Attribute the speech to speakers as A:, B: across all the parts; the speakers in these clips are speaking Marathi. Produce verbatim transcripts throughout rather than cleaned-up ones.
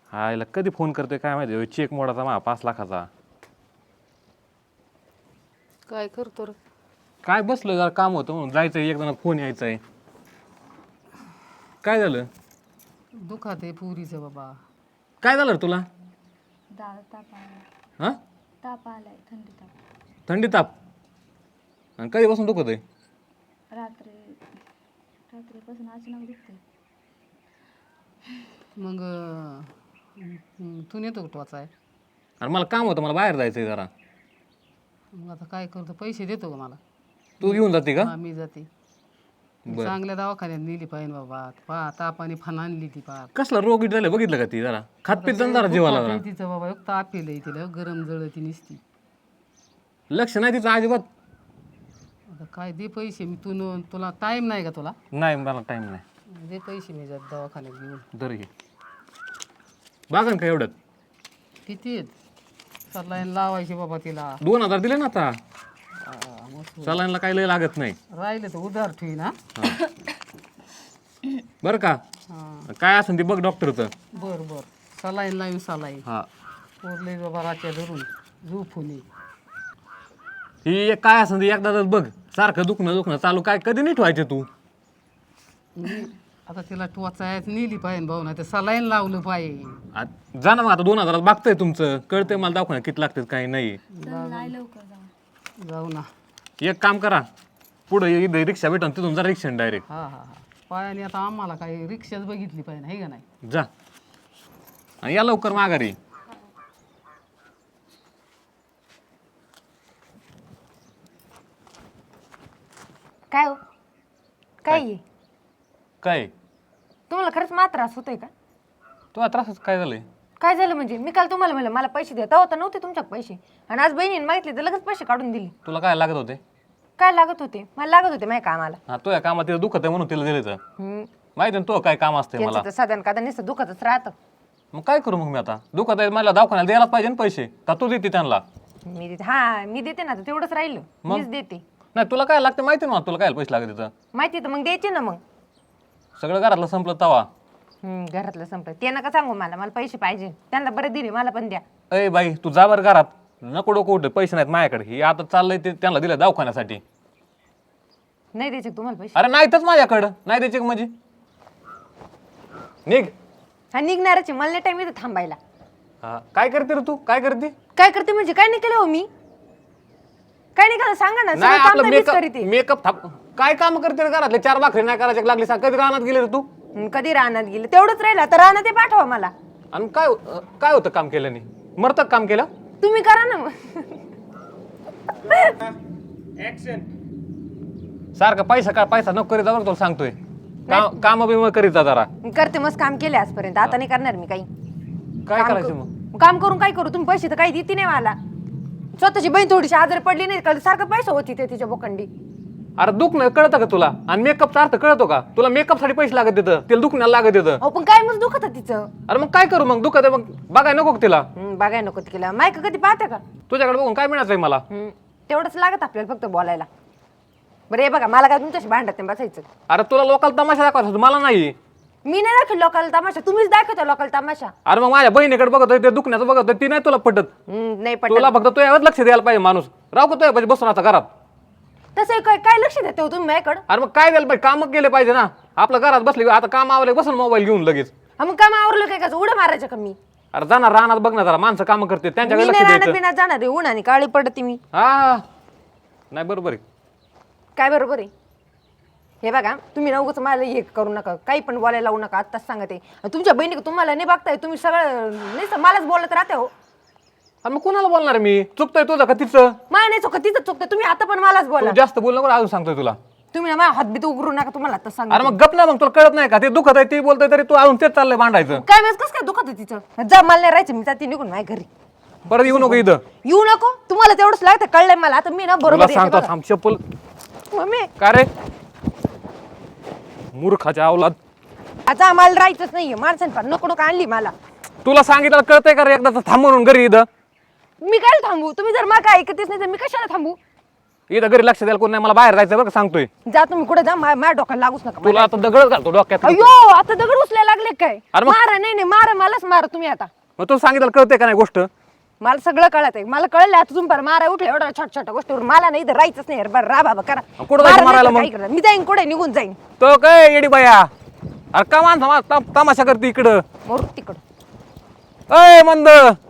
A: हा याला कधी फोन करतोय काय माहिती चेक मोडाचा मा पाच लाखाचा
B: काय करतो रे?
A: काय बसलं जरा काम होतं म्हणून जायचंय एक जण फोन यायचाय काय झालं
B: दुखात आहे पुरीचं बाबा.
A: काय झालं रे तुला
C: दाळ ताप आला
A: हा
C: ताप आलाय थंडी ताप
A: थंडी ताप आणि कधीपासून दुखत आहे
C: रात्री रात्रीपासून अचानक दुखते.
B: मग अं, तू नेतो का टोचाय?
A: आणि मला काम होतं मला बाहेर जायचंय जरा
B: मग आता काय करतो? पैसे देतो का मला?
A: तू घेऊन जाते का
B: हा मी जाते. चांगल्या दवाखान्यात नेली पाहिजे बाबा. पा तापाने फन आणली ती पार.
A: कसला रोग झालं बघितलं का ती जरा खातपीत जरा जीवाला जरा
B: तिचं बाबा एक ताप येईल तिला गरम जळती निसती.
A: लक्ष नाही तिचं अजिबात.
B: आता काय दे पैसे मी तू न- तुला टाइम नाही का तुला?
A: नाही मला टाइम नाही
B: दे पैसे मी जात दवाखान्यात घेऊन.
A: दर घे बागन का एवढं
B: किती आहेत? सलाईन लावायची बाबा तिला.
A: दोन हजार दिले ना आता
B: हा, मस्त.
A: सलाईनला काही लय लागत नाही
B: राहिले तर उधार ठेवी ना.
A: बरं का
B: हा
A: काय असेल ते बघ डॉक्टरचं
B: बर बर सलाईन लावी सलाईन
A: हा
B: पोरले बाबा राच्या धरून झोपून ये.
A: ही एक काय असेल ते एकदाच बघ सारखं दुखणं दुखणं चालू काय कधी नीट व्हायचे तू
B: मी आता तिला टोचायच नेली पाहिजे भाऊ ना ते सलाईन लावलं पाहिजे.
A: आ- जा ना मग आता दोन हजारात बघतंय तुमचं कळतंय मला दवाखान्यात किती लागतात काही नाही
C: चल नाही लवकर जाऊ.
B: जाऊ ना.
A: एक काम करा पुढे इथे रिक्षा भेटून तिथून जा रिक्षा डायरेक्ट
B: हा हा हा पायाने आता आम्हाला काही रिक्षाच बघितली पाहिजे हे का नाही.
A: जा आणि या लवकर माघारी
D: काय हो काय आहे?
A: काय
D: तुम्हाला खरंच मला त्रास होतोय का?
A: तुला त्रासच काय झालंय
D: काय झालं म्हणजे मी काल तुम्हाला म्हणलं मला पैसे द्या तेव्हा तर नव्हते तुमच्याकडे पैसे आणि आज बहिणीने मागितले तर लगेच पैसे काढून दिले.
A: तुला काय लागत होते
D: काय लागत होते? मला लागत होते माझ्या कामाला.
A: हा तुझ्या कामात तिला दुखत आहे म्हणून तिला दिले तर
D: हम्म.
A: माहिती ना तो काय काम असते मला
D: त्यांचं तर साधारण कादा नुसतं दुखतच राहतं.
A: मग काय करू मग मी आता दुखत आहे मला दवाखान्याला द्यायलाच पाहिजे ना पैसे का तू देते त्यांना
D: मी देते हा मी देते ना तर तेवढंच राहिलं मीच देते.
A: नाही तुला काय लागते माहिती ना मला तुला काय पैसे लागत तिथं
D: माहिती तर मग द्यायचे ना मग.
A: सगळं घरातलं संपलं तवा
D: हम्म, घरातलं संपलं ते नका सांगू मला मला पैसे पाहिजे त्यांना बरं दिले मला पण द्या.
A: अय बाई तू जा बरं घरात नको डोकं उठ पैसे नाहीत माझ्याकडे हे आता चाललंय ते त्यांना दिलं दवाखान्यासाठी
D: नाही द्यायचे का तुम्हाला पैसे?
A: अरे नाहीतच माझ्याकडं नाही द्यायचे का म्हणजे निघ
D: हा निघणारच आहे मला नाही टाइम इथं थांबायला.
A: हा काय करते रे तू काय करते
D: काय करते म्हणजे काय नाही केलं हो मी? काय नाही केलं सांगा ना.
A: नाही
D: सगळं काम
A: आपलं
D: तर मीच
A: मेकअप
D: करीते.
A: मेकअप थाप काय काम करते रे घरातले चार भाकरी नाही करायचे लागली सांग कधी रानात गेले रे तू
D: हं, कधी रानात गेलं तेवढंच राहिलं आता रानात ते पाठवा मला.
A: आणि काय अं, काय होतं काम केल्याने मरतं काम केलं
D: तुम्ही करा ना मग.
A: सारखं पैसा काय पैसा नको करीत जा बरं तुला सांगतोय काम काम बिम करीत जा जरा
D: करते मस्त काम केले आजपर्यंत आता नाही करणार मी काही.
A: काय
D: काम
A: करायचं
D: करू-
A: मग
D: काम करून काय करू तुम्ही पैसे तर काही देते नाही मला. स्वतःची बहीण थोडीशी आजारी पडली नाही का सारखं पैसा होती ते तिच्या बोकंडी.
A: अरे दुखणं कळतं का तुला आणि मेकअपचा अर्थ कळतो का तुला मेकअप साठी पैसे लागत देतं तिला दुखण्याला लागत देतं
D: अहो पण काय मग दुखत तिचं.
A: अरे मग काय करू मग दुखत आहे मग बघाय नको का तिला
D: हं, बघाय नको तिला मायक कधी पाहते का?
A: तुझ्याकडे बघून काय मिळायचंय मला
D: हं, तेवढंच लागत आपल्याला फक्त बोलायला. बरं हे बघा मला काय तुमच्याशी भांडत नाही बसायचं.
A: अरे तुला लोकांना तमाशा दाखवायचा होता, मला नाही
D: मी नाही दाखवलं लोकांना तमाशा तुम्हीच दाखवता लोकांना तमाशा.
A: अरे मग माझ्या बहिणीकडे बघत होते, ते दुखण्याचं बघत होते, ती नाही तुला पटत
D: हं, नाही
A: तुला
D: पटत.
A: फक्त तू यावर लक्ष द्यायला पाहिजे माणूस राव का तुझ्या पाहिजे बसून आता घरात
D: तसं काय काय लक्ष देते हो तुम्ही माझ्याकडं?
A: अरे मग काय द्यायला पाहिजे काम केले पाहिजे ना आपलं घरात बसले आता काम आवले बसून मोबाईल घेऊन लगेच
D: हा मग काम आवरलं काय का उड्या मारायचं का मी?
A: अरे जाणार रानात बघ ना जरा माणसं काम करते त्यांच्याकडे
D: मी
A: लक्ष
D: नाही राहणार
A: द्यायचं
D: बिना जाणार आहे उन्हाने काळी पडते मी.
A: हा नाही बरोबर आहे
D: काय बरोबर आहे हे बघा तुम्ही ना उगाच मला हे करू नका काही पण बोलायला लावू नका आत्ताच सांगते. आणि तुमच्या बहिणी तुम्हाला नाही बघताय तुम्ही सगळं नाही स- मलाच बोलत राहते हो.
A: अरे मग कोणाला बोलणार आहे मी चुकतोय तुझं का तिचं
D: मला नाही चुकत तिथं चुकतं तुम्ही आता पण मलाच बोला.
A: तू जास्त बोल नको अजून सांगतोय तुला
D: तुम्ही ना माझ्या हातबीत उघडू नका तुम्हाला आता सांग.
A: अरे मग गप ना मग तुला कळत नाही का ते दुखत आहे ते बोलतोय तरी तू अजून तेच चाललंय भांडायचं
D: काय वेळेस कसं काय दुखत आहे तिचं जा मला नाही राहायचं मी जाते निघून माझ्या घरी.
A: परत येऊ नको इथं
D: येऊ नको तुम्हाला तेवढंच लागतं कळलंय मला आता मी ना
A: तुला
D: बरोबर येते
A: सांगतो
D: बघा.
A: थांब चप्पल
D: मम्मी
A: का रे मूर्खाच्या अवलाद
D: आता आम्हाला राहायचंच नाहीये माणसाने पण नको नको आणली मला.
A: तुला सांगितलं कळतंय का रे एकदा थांब म्हणून घरी इथं
D: मी काय थांबू तुम्ही जर मला काय ऐकतेच नाही तर मी कशाला थांबू?
A: इथं घरी लक्ष द्यायला कोण नाही, मला बाहेर जायचं बरं का सांगतोय.
D: जा तुम्ही कुठे जा मा- माझ्या डोक्याला लागूच नका.
A: तुला आता दगड घालतो डोक्यात.
D: अयो आता दगड उचलायला लागले काय?
A: अरे मग-
D: मारा नाही नाही मारा मलाच मारा तुम्ही आता.
A: मग तू सांगितलं कळतंय का नाही गोष्ट?
D: मला सगळं कळत आहे. मला कळलं आता तुम्ही बरं मारा उठले एवढ्या छोट्या छोट्या गोष्टीवर. मला नाही इथं राहायचंच नाही. बरं रा बाबा करा.
A: कुठं
D: मारा
A: जायचं
D: नाही
A: मारायला
D: तर
A: मग?
D: काय करणार? मी जाईन कुठे निघून जाईन.
A: तो काय येडी बाया, अरे का माणसा तम- तमाशा करते इकडं.
D: मोर तिकडं.
A: अय मंद,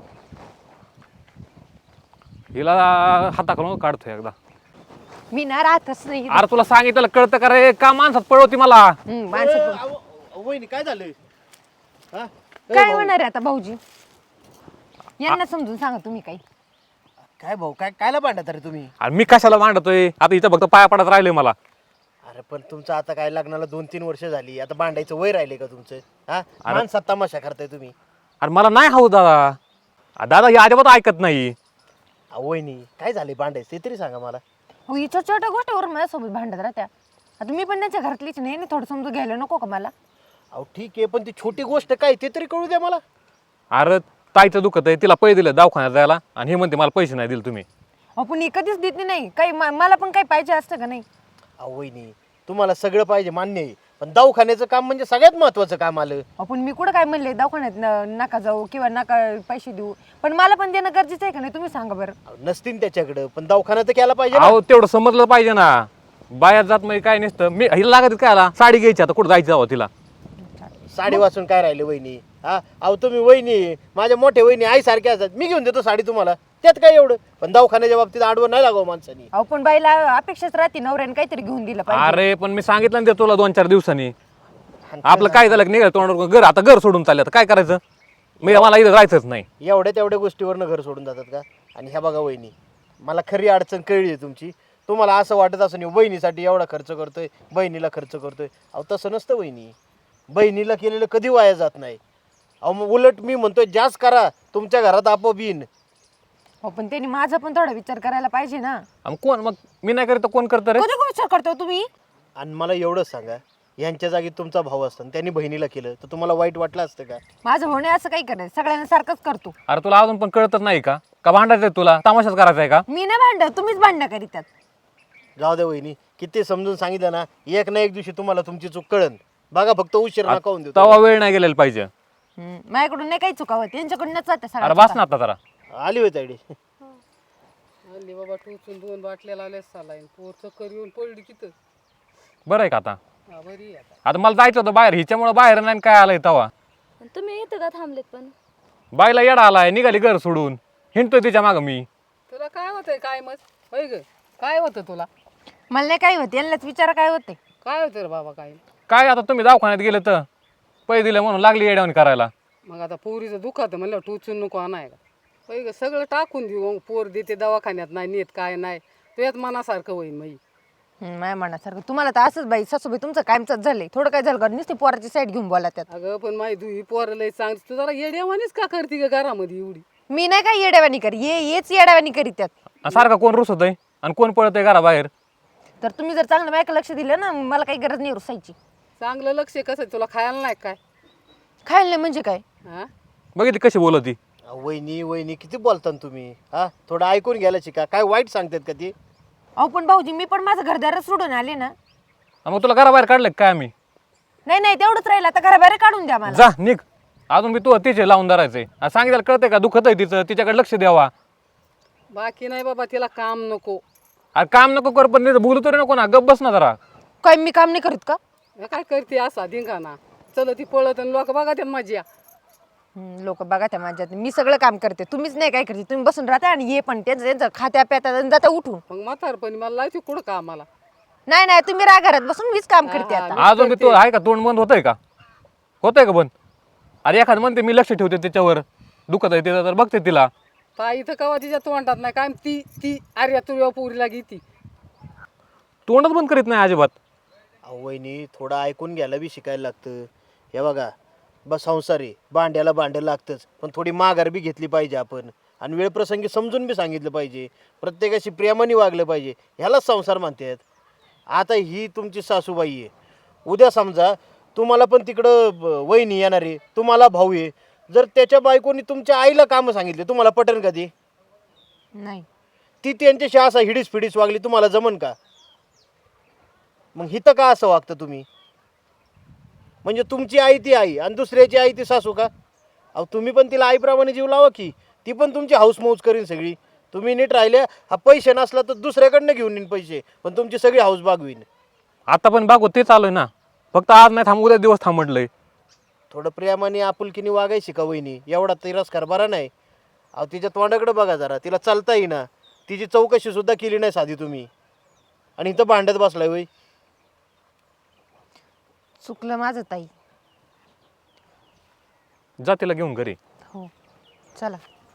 A: हिला हाताकडून काढतोय एकदा.
D: मी ना राहतच नाही.
A: अरे तुला सांगितलं कळतं का रे? का माणसात पळवती मला?
D: हम्म, माणसं पण-
E: वहिनी काय झालंय? हा?
D: काय होणार आहे आता भाऊजी? यांना समजून सांगा तुम्ही काही.
E: काय भाऊ काय कायला भांडत रे तुम्ही?
A: अरे मी कशाला मांडतोय? आता इथं फक्त पाया पडत राहिले मला.
E: अरे पण तुमचं आता काय लग्नाला दोन तीन वर्ष झाली, आता भांडायचं वय राहिले का तुमचं? हा माणसात तमाशा करताय तुम्ही.
A: अरे मला नाही हवं दादा. अ, दादा हे अजिबात ऐकत नाही.
E: अहो, वहिनी काय झाले भांडायचं ते तरी सांगा मला.
D: हो ही छोट्या छोट्या गोष्टीवर माझ्यासोबत भांडत राहत्या. आता मी पण त्यांच्या घरातलीच नाही. थोडं समजून घ्यायला नको का मला?
E: अहो ठीक आहे, पण ती छोटी गोष्ट काय ते तरी कळू द्या मला.
A: अरे ताईचं दुखत आहे, तिला पैसे दिले दवाखान्यात जायला आणि हे म्हणते मला पैसे नाही दिले तुम्ही.
D: आपण कधीच देत नाही काही. म- मला पण काही पाहिजे असतं का नाही?
E: अहो वहिनी तुम्हाला सगळं पाहिजे मान्य आहे, पण दवाखान्याचं काम म्हणजे सगळ्यात महत्वाचं काम आलं.
D: आपण मी कुठं काय म्हणले दवाखान्यात न- नका जाऊ किंवा नका पैसे देऊ, पण मला पण देणं गरजेचं आहे का नाही? तुम्ही सांगा बरं.
E: अहो, नसतील त्याच्याकडं, पण दवाखाना तर केला पाहिजे ना.
A: अहो तेवढं समजलं पाहिजे ना. बायात जात म्हणजे काय नसतं. मी हिला लागत काय आला साडी घ्यायची, आता कुठं जायचं जावं तिला.
E: साडी वाचून काय राहिले वहिनी? हा अहो तुम्ही वहिनी माझ्या मोठ्या वहिनी आई सारख्या असतात, मी घेऊन देतो साडी तुम्हाला, त्यात काय एवढं. पण दवाखान्याच्या बाबतीत आडवं नाही लागावं माणसानी.
D: अहो पण बाईला अपेक्षाच राहते नवऱ्याने काहीतरी घेऊन दिलं पाहिजे.
A: अरे पण मी सांगितलं ना ते तुला दोन चार दिवसांनी. आपलं काय झालं की निघालं तोंडावर घर, आता घर सोडून चालले, आता काय करायचं? मी मला इथं राहायचंच नाही.
E: एवढ्या तेवढ्या गोष्टीवरनं घर सोडून जातात का? आणि ह्या बघा वहिनी, मला खरी अडचण कळली आहे तुमची. तुम्हाला असं वाटत असं नाही वहिनीसाठी एवढा खर्च करतोय, बहिणीला खर्च करतोय. अहो तसं नसतं वहिनी, बहिणीला केलेलं कधी वाया जात नाही. अहो मग उलट मी म्हणतोय जास्त करा, तुमच्या घरात आपोआप येईन.
D: हो पण त्यांनी माझा पण थोडा विचार करायला पाहिजे ना.
A: आणि कोण मग मी नाही करत तर कोण करतं रे?
D: कधी कोण विचार करतो तुम्ही?
E: आणि मला एवढंच सांगा, यांच्या जागी तुमचा भाऊ असतं आणि त्यांनी बहिणीला केलं तर तुम्हाला वाईट वाटलं असतं का?
D: माझं होणे असं काही करायचं, सगळ्यांना सारखंच करतो.
A: अरे तुला अजून पण कळतच नाही का? का भांडायचं आहे तुला? तमाशाच करायचा आहे का?
D: मी नाही भांडत, तुम्हीच भांडणं करीतात.
E: जाऊ दे वहिनी, किती समजून सांगितलं ना, एक ना एक दिवशी तुम्हाला तुमची चूक कळन. बघा फक्त उशीर नका होऊन देतो.
A: तवा वेळ नाही गेलेला पाहिजे.
D: हम्म, माझ्याकडून नाही काही चुकावं, त्यांच्याकडूनच जाते
A: अरे
D: सगळं.
A: बस ना आता जरा.
E: आली होती आयडी.
B: हल्ली बाबा टोचून दोन बाटल्या लावल्या सालाईन पोर चक्कर येऊन पडली तिथं.
A: बरं आहे का आता?
B: हा बरी आहे आता.
A: आता मला जायचं होतं बाहेर, हिच्यामुळे बाहेर नाही काय आलंय तवा.
C: पण तुम्ही इथं का थांबलेत पण?
A: बाईला येडा आलाय, निघाली घर सोडून, हिंडतोय तिच्या मागं मी.
B: तुला काय होतंय काय मग? होय ग काय होतं तुला?
D: मला नाही काही होते, यांनाच विचारा काय होते.
B: काय होतं रे बाबा काय?
A: काय आता तुम्ही दवाखान्यात गेले तर पैसे दिले म्हणून लागली येड्यावणी करायला.
B: मग आता पोरीचं दुखातं म्हणलं टोचून नको आणाय का? होय ग सगळं टाकून देऊ, मग पोर देते दवाखान्यात नाही नेत काय नाही, तुझ्यात मनासारखं होईन मग.
D: हम्म, माझ्या मनासारखं तुम्हाला तर असंच बाई सासूबाई तुमचं कायमच झालंय. थोडं काय झालं का नुसती पोराची साईड घेऊन बोला त्यात.
B: अगं पण माही तू ही पोरं लय चांगली, तू जरा येड्यावानीच का करते ग घरामध्ये एवढी?
D: मी नाही काय येड्यावानी करी, ये येच येड्यावानी करीत त्यात.
A: आणि सारखा कोण रुसत आहे आणि कोण पळत आहे घराबाहेर.
D: तर तुम्ही जर चांगलं माझ्याकडे लक्ष दिलं ना, मला काही गरज नाही रुसायची.
B: चांगलं लक्ष आहे कसं, तुला खायला नाही काय?
D: खायला नाही म्हणजे काय?
B: हा
A: बघितली कशी बोलत ती.
E: अहो, वहिनी वहिनी किती बोलता ना तुम्ही? हा थोडं ऐकून घ्यायला शिका. काय वाईट सांगतात का ती?
D: अहो पण भाऊजी मी पण माझं घरदारच सोडून आले ना.
A: आणि मग तुला घराबाहेर काढलं काय आम्ही?
D: नाही नाही तेवढंच राहील, आता घराबाहेर काढून द्या मला.
A: जा निघ. अजून मी तू तिचे लावून धरायचंय. आणि सांगितलं कळतंय का? दुखत आहे तिचं, तिच्याकडे लक्ष द्यावा.
B: बाकी नाही बाबा, तिला काम नको.
A: अरे काम नको कर, पण नाही बोलू तरी नको ना, गप बस ना जरा.
D: काय मी काम नाही करीत का?
B: हे काय करते असा धिंगाणा? चल ती पळत आणि लोक बघा त्या मजा.
D: लोक बघा त्या माझ्यात, मी सगळं काम करते, तुम्हीच नाही काय करते. तुम्ही बसून राहता आणि ये पण त्यांचं त्यांचं खात्या प्यातात आणि जाता उठून.
B: मग म्हातारपणी मला लायची कुठं कामाला?
D: नाही नाही तुम्ही राहा घरात बसून, मीच काम करते
B: हा,
D: आता.
A: अजून मी तू आहे का तोंड बंद होतंय का? होतंय का बंद? अरे एखादं म्हणते मी लक्ष ठेवते त्याच्यावर, दुखत आहे तिचं तर बघते तिला.
B: ताई इथं कवा तिच्या तोंडात नाही काय ती ती अरे तुझ्या पोरीला घेती.
A: तोंडच बंद करीत नाही अजिबात.
E: अहो वहिनी थोडं ऐकून घ्यायला बी शिकायला लागतं. हे बघा बस संसार आहे, भांड्याला भांडं लागतंच, पण थोडी माघार बी घेतली पाहिजे आपण. आणि वेळप्रसंगी समजून बी सांगितलं पाहिजे, प्रत्येकाशी प्रेमाने वागलं पाहिजे. ह्यालाच संसार म्हणतात. आता ही तुमची सासूबाई आहे, उद्या समजा तुम्हाला पण तिकडं ब- वहिनी येणार आहे, तुम्हाला भाऊ आहे. जर त्याच्या बायकोनी तुमच्या आईला कामं सांगितले, तुम्हाला पटेल का ते?
D: नाही
E: ती त्यांच्याशी असा हिडीस फिडीस वागली तुम्हाला जमन का? मग हिथं का असं वागतं तुम्ही? म्हणजे तुमची आई ती आई आणि दुसऱ्याची आई ती सासू का? अहो तुम्ही पण तिला आईप्रमाणे जीव लावा की, ती पण तुमची हाऊस मौज करीन सगळी. तुम्ही नीट राहिले, हा पैसे नसला तर दुसऱ्याकडनं घेऊन येईन पैसे, पण तुमची सगळी हाऊस बागवीन.
A: आता पण बागो ते चालू आहे ना, फक्त आज नाही थांब उद्या दिवस थांब म्हटलंय.
E: थोडं प्रेमाने आपुलकीने वागायची का वहिनी? एवढा तिरस्कार बरा नाही. अहो तिच्या तोंडाकडे बघा जरा, तिला चालता येईना, तिची चौकशी सुद्धा केली नाही साधी तुम्ही, आणि इथं भांडत बसलाय वय.
D: चुकलं माझं ताई.
A: जा तिला घेऊन घरी.
D: हो चला.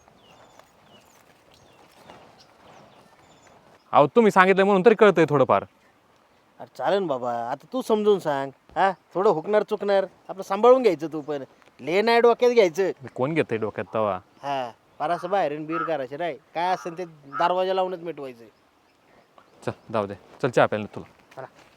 A: अहो तुम्ही सांगितलं म्हणून तरी कळतंय थोडंफार.
E: अरे चालेल बाबा, आता तू समजून सांग. हा थोडं हुकणार चुकणार आपलं सांभाळून घ्यायचं, तू पण ले नाही डोक्यात घ्यायचं.
A: मी कोण घेतंय डोक्यात तवा.
E: हा पारासं बाहेर बीर करायचे राय, काय असेल ते दरवाजा लावूनच मिटवायचं.
A: चल जाऊ दे, चल चहा प्यायला तुला.
E: चला.